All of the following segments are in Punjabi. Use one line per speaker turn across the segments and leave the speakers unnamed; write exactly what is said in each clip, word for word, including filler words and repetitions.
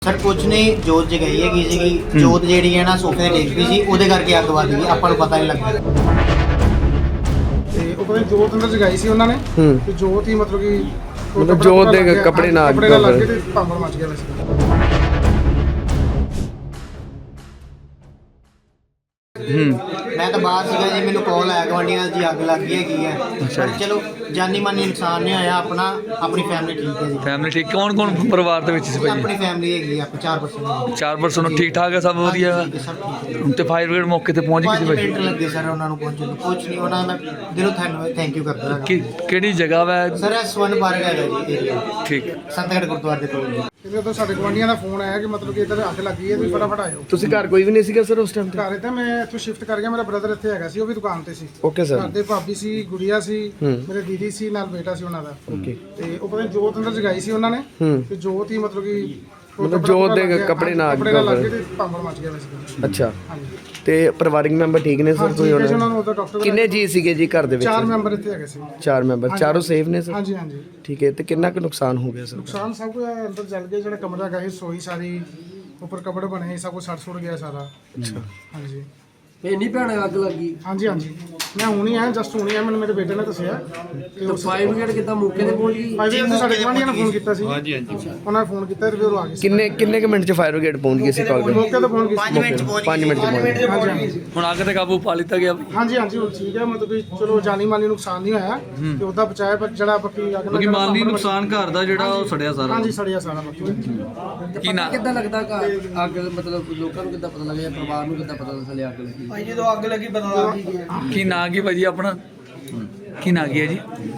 ਸਰ ਕੁਝ ਨਹੀਂ, ਜੋਤ ਜਗਾਈ ਹੈਗੀ ਸੀਗੀ। ਜੋਤ ਜਿਹੜੀ ਹੈ ਨਾ ਸੋਫੇ ਤੇ ਡਿੱਗ ਪਈ ਸੀ, ਉਹਦੇ ਕਰਕੇ ਅੱਗ ਵੱਧ ਗਈ। ਆਪਾਂ ਨੂੰ ਪਤਾ ਨਹੀਂ ਲੱਗਾ।
ਤੇ ਉਹ ਕਹਿੰਦੇ ਜੋਤ ਅੰਦਰ ਜਗਾਈ ਸੀ ਉਹਨਾਂ ਨੇ ਤੇ ਜੋਤ ਹੀ ਮਤਲਬ ਕਿ
ਮਤਲਬ ਜੋਤ ਦੇ ਕੱਪੜੇ ਨਾਲ
ਕੱਪੜੇ ਨਾਲ ਲੱਗ ਕੇ ਤੇ ਭਾਂਬੜ ਮੱਚ ਗਿਆ ਵੈਸੇ।
ਮੈਂ ਤਾਂ ਬਾਹਰ ਸੀਗਾ ਜੀ, ਮੈਨੂੰ ਕਾਲ ਆਇਆ ਗਵਾਂਢੀਆਂ ਦੀ ਅੱਗ ਲੱਗ ਗਈ ਹੈਗੀ ਹੈ। ਪਰ ਚਲੋ ਜਾਨੀ ਮਾਨੀ ਨੁਕਸਾਨ ਨਹੀਂ ਹੋਇਆ। ਆਪਣਾ ਆਪਣੀ ਫੈਮਿਲੀ ਠੀਕ ਹੈ ਜੀ।
ਫੈਮਿਲੀ ਠੀਕ? ਕੌਣ ਕੌਣ ਪਰਿਵਾਰ ਦੇ ਵਿੱਚ ਸੀ ਭਾਈ?
ਆਪਣੀ ਫੈਮਿਲੀ ਹੈਗੀ ਆ, ਆਪਾਂ ਚਾਰ ਪਰਸਨ।
ਚਾਰ ਪਰਸਨ ਠੀਕ ਠਾਕ ਹੈ, ਸਭ ਵਧੀਆ।
ਸਭ ਠੀਕ ਹੈ।
ਤੇ ਫਾਇਰ ਬ੍ਰਿਗੇਡ ਮੌਕੇ ਤੇ ਪਹੁੰਚ ਗਈ ਸੀ
ਪੰਜ
ਭਾਈ?
ਮਿੰਟ ਲੱਗੇ ਸਰ ਉਹਨਾਂ ਨੂੰ ਪਹੁੰਚਣ ਨੂੰ। ਕੁਝ ਨਹੀਂ, ਉਹਨਾਂ ਦਾ ਮੈਂ ਦਿਲੋਂ ਧੰਨਵਾਦ ਥੈਂਕ ਯੂ ਕਰਦਾ ਹਾਂ।
ਕਿ ਕਿਹੜੀ ਜਗ੍ਹਾ ਵਾ?
ਸਰ ਇਹ ਸਵਰਨ ਪਾਰਕ ਹੈਗਾ ਜੀ ਏਰੀਆ,
ਠੀਕ।
ਸੰਤਗੜ੍ਹ ਗੁਰਦੁਆਰੇ ਦੇ ਕੋਲ ਜੀ।
ਇਹਦੇ ਤੋਂ ਸਾਡੇ ਗਵਾਂਢੀਆਂ ਦਾ ਫੋਨ ਆਇਆ ਕਿ ਮਤਲਬ ਕਿ ਇੱਧਰ ਅੱਗ ਲੱਗੀ ਹੈ, ਤੁਸੀਂ ਫਟਾਫਟ ਆਇਓ।
ਤੁਸੀਂ ਘਰ ਕੋਈ ਵੀ ਨਹੀਂ ਸੀਗਾ ਸਰ ਉਸ ਟਾਈਮ ਤੇ?
ਘਰ ਤਾਂ ਮੈਂ ਇੱਥੋਂ ਸ਼ਿਫਟ ਕਰ ਗਿਆ, ਮੇਰਾ ਬ੍ਰਦਰ ਇੱਥੇ ਹੈਗਾ ਸੀ, ਉਹ ਵੀ ਦੁਕਾਨ ਤੇ ਸੀ।
Okay sir.
ਘਰ ਦੇ ਭਾਬੀ ਸੀ, ਗੁੜੀਆ ਸੀ, ਮੇਰੇ ਦੀਦੀ ਸੀ, ਨਾਲ ਬੇਟਾ ਸੀ ਉਹਨਾਂ ਦਾ।
ਓਕੇ।
ਤੇ ਉਹ ਕਹਿੰਦੇ ਜੋਤ ਅੰਦਰ ਜਗਾਈ ਸੀ ਉਹਨਾਂ ਨੇ ਤੇ ਜੋਤ ਹੀ ਮਤਲਬ ਕਿ
ਮਤਲਬ ਜੋਤ ਦੇ ਕੱਪੜੇ ਨਾਲ
ਕੱਪੜੇ ਨਾਲ ਲੱਗ ਕੇ ਤੇ ਭਾਂਬੜ ਮੱਚ ਗਿਆ ਵੈਸੇ।
ਅੱਛਾ।
ਹਾਂਜੀ।
ਤੇ ਪਰਿਵਾਰਿਕ ਮੈਂਬਰ ਠੀਕ ਨੇ ਸਰ? ਕੋਈ
ਉਹਨਾਂ
ਉਹਨਾਂ
ਨੂੰ ਉਹਦਾ ਡਾਕਟਰ
ਕਿੰਨੇ ਜੀ ਸੀਗੇ ਜੀ ਘਰ ਦੇ ਵਿੱਚ?
ਚਾਰ ਮੈਂਬਰ ਇੱਥੇ ਹੈਗੇ ਸੀ।
ਚਾਰ ਮੈਂਬਰ, ਚਾਰੋਂ ਸੇਫ ਨੇ ਸਰ?
ਹਾਂਜੀ ਹਾਂਜੀ।
ਠੀਕ ਹੈ। ਤੇ ਕਿੰਨਾ ਕੁ ਨੁਕਸਾਨ ਹੋ ਗਿਆ ਸਰ?
ਨੁਕਸਾਨ ਸਭ ਕੁਝ ਅੰਦਰ ਜਲ ਗਿਆ। ਜਿਹੜਾ ਕਮਰਾ ਹੈਗਾ ਸੀ, ਸੋਈ ਸਾਰੀ ਉੱਪਰ ਕਪੜੇ ਬਣੇ, ਸਭ ਕੁਝ ਸੜ ਸੁੜ ਗਿਆ ਸਾਰਾ।
ਅੱਛਾ।
ਹਾਂਜੀ।
ਇੰਨੀ ਭੈਣ ਅੱਗ ਲੱਗੀ?
ਹਾਂਜੀ ਹਾਂਜੀ। ਮੈਂ ਹੁਣੀ ਆਇਆ, ਜਸਟ ਹੁਣੀ ਆਇਆ, ਮੈਨੂੰ ਮੇਰੇ ਬੇਟੇ ਨੇ ਦੱਸਿਆ।
ਤੇ ਫਾਇਰ ਬ੍ਰਿਗੇਡ ਕਿੱਦਾਂ ਮੌਕੇ ਤੇ ਪਹੁੰਚ ਗਈ?
ਭਾਈ ਜੀ ਸਾਡੇ ਗਵਾਂਢੀਆਂ ਨੇ ਫੋਨ ਕੀਤਾ ਸੀ। ਹਾਂਜੀ ਹਾਂਜੀ। ਉਹਨਾਂ ਨੇ ਫੋਨ ਕੀਤਾ ਤੇ ਫਿਰ ਉਹ ਆ ਗਏ ਸੀ।
ਕਿੰਨੇ ਕਿੰਨੇ ਕੁ ਮਿੰਟ ਚ ਫਾਇਰ ਬ੍ਰਿਗੇਡ ਪਹੁੰਚ ਗਈ ਸੀ ਕਾਲ ਤੇ?
ਮੌਕੇ ਤੇ ਪਹੁੰਚ ਗਏ ਸੀ।
ਪੰਜ ਮਿੰਟ ਚ ਪਹੁੰਚ
ਪੰਜ ਮਿੰਟ ਚ ਪਹੁੰਚ ਗਏ।
ਹਾਂਜੀ ਹਾਂਜੀ।
ਹੁਣ ਅੱਗ ਤੇ ਕਾਬੂ ਪਾ ਲਿੱਤਾ ਗਿਆ?
ਹਾਂਜੀ ਹਾਂਜੀ ਹੁਣ ਠੀਕ ਹੈ, ਮਤਲਬ ਕਿ ਚਲੋ ਜਾਨੀ ਮਾਲੀ ਨੁਕਸਾਨ ਨਹੀਂ ਹੋਇਆ ਤੇ ਉਹਦਾ ਬਚਾਇਆ, ਪਰ ਜਿਹੜਾ ਬਾਕੀ ਅੱਗ
ਕਿਉਂਕਿ ਮਾਲੀ ਨੁਕਸਾਨ ਘਰ ਦਾ ਜਿਹੜਾ ਉਹ ਸੜਿਆ ਸਾਰਾ।
ਹਾਂਜੀ ਸੜਿਆ ਸਾਰਾ ਬਾਕੀ।
ਕੀ ਨਾ
ਕਿੱਦਾਂ ਲੱਗਦਾ ਘਰ ਅੱਗ ਮਤਲਬ ਲੋਕਾਂ ਨੂੰ ਕਿੱਦਾਂ ਪਤਾ ਲੱਗਿਆ, ਪਰਿਵਾਰ ਨੂੰ ਕਿੱਦਾਂ ਪਤਾ ਚੱਲਿਆ ਅੱਗ ਲੱਗੀ?
ਭਾਈ ਜਦੋਂ ਅੱਗ ਲੱਗੀ ਪਤਾ
ਕੀ ਨਾਂ ਕੀ ਭਾਜੀ ਆਪਣਾ? ਕੀ ਨਾਂ ਕੀ ਹੈ ਜੀ?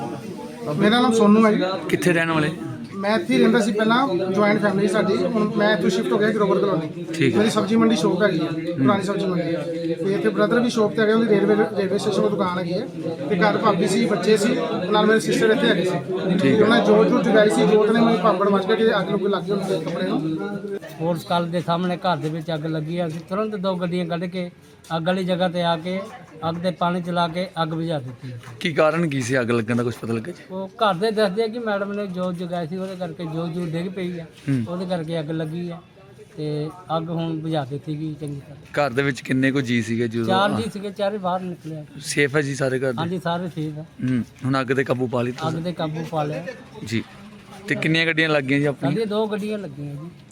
ਮੇਰਾ ਨਾਮ ਸੋਨੂ ਹੈ ਜੀ।
ਕਿੱਥੇ ਰਹਿਣ ਵਾਲੇ?
ਮੈਂ ਇੱਥੇ ਹੀ ਰਹਿੰਦਾ ਸੀ ਪਹਿਲਾਂ, ਜੁਆਇੰਟ ਫੈਮਿਲੀ ਸਾਡੀ। ਹੁਣ ਮੈਂ ਇੱਥੋਂ ਸ਼ਿਫਟ ਹੋ ਗਿਆ ਗਰੋਵਰ ਕਲੋਨੀ।
ਠੀਕ।
ਮੇਰੀ ਸਬਜ਼ੀ ਮੰਡੀ ਸ਼ੋਪ ਹੈਗੀ ਹੈ, ਪੁਰਾਣੀ ਸਬਜ਼ੀ ਮੰਡੀ। ਤੇ ਇੱਥੇ ਬ੍ਰਦਰ ਵੀ ਸ਼ੋਪ ਤੇ ਹੈਗੇ, ਉਹਦੀ ਰੇਲਵੇ ਰੇਲਵੇ ਸਟੇਸ਼ਨ ਤੋਂ ਦੁਕਾਨ ਹੈਗੀ ਹੈ। ਤੇ ਘਰ ਭਾਬੀ ਸੀ, ਬੱਚੇ ਸੀ, ਨਾਲ ਮੇਰੇ ਸਿਸਟਰ ਇੱਥੇ ਹੈਗੇ ਸੀ। ਤੇ ਉਹਨਾਂ ਨੇ ਜੋਤ ਜੋਤ ਜਗਾਈ ਸੀ। ਜੋਤ ਨੇ ਮੈਨੂੰ ਭਾਂਬੜ ਮੱਚ ਕੇ ਅੱਗ ਲੁੱਗ ਲੱਗ ਗਈ ਉਹਨਾਂ ਦੇ ਕੱਪੜੇ ਨੂੰ।
ਸਪੋਰਟਸ ਕਾਲਜ ਦੇ ਸਾਹਮਣੇ ਘਰ ਦੇ ਵਿੱਚ ਅੱਗ ਲੱਗੀ ਆ। ਅਸੀਂ ਤੁਰੰਤ ਦੋ ਗੱਡੀਆਂ ਕੱਢ ਕੇ ਅੱਗ ਵਾਲੀ ਜਗ੍ਹਾ ਤੇ ਆ ਕੇ ਅੱਗ ਦੇ ਪਾਣੀ ਚਲਾ ਕੇ ਅੱਗ ਬੁਝਾ ਦਿੱਤੀ।
ਕੀ ਕਾਰਨ ਕੀ ਸੀ ਅੱਗ ਲੱਗਣ ਦਾ, ਕੁਝ ਪਤਾ ਲੱਗਾ ਜੀ?
ਉਹ ਘਰ ਦੇ ਦੱਸਦੇ ਆ ਕਿ ਮੈਡਮ ਨੇ ਜੋਤ ਜਗਾਈ ਸੀ, ਉਹਦੇ ਕਰਕੇ ਜੋਤ ਜੂ ਡਿੱਗ ਪਈ ਆ, ਉਹਦੇ ਕਰਕੇ ਅੱਗ ਲੱਗੀ ਆ। ਤੇ ਅੱਗ ਹੁਣ ਬੁਝਾ ਦਿੱਤੀ ਗਈ ਚੰਗੀ ਤਰ੍ਹਾਂ।
ਘਰ ਦੇ ਵਿੱਚ ਕਿੰਨੇ ਕੁ ਜੀ ਸੀਗੇ ਜਦੋਂ?
ਚਾਰ ਜੀ ਸੀਗੇ, ਚਾਰੇ ਬਾਹਰ ਨਿਕਲੇ ਆ।
ਸੇਫ ਹੈ ਜੀ ਸਾਰੇ ਘਰ ਦੇ?
ਹਾਂਜੀ ਸਾਰੇ ਠੀਕ ਆ।
ਹੂੰ। ਹੁਣ ਅੱਗ ਤੇ ਕਾਬੂ ਪਾ ਲਿੱਤਾ
ਅੱਗ ਦੇ ਕਾਬੂ ਪਾ ਲਿਆ।
ਜੀ। ਤੇ ਕਿੰਨੀਆਂ ਗੱਡੀਆਂ ਲੱਗ ਗਈਆਂ ਜੀ ਆਪਣੀਆਂ?
ਸਾਡੀਆਂ ਦੋ ਗੱਡੀਆਂ ਲੱਗੀਆਂ ਜੀ।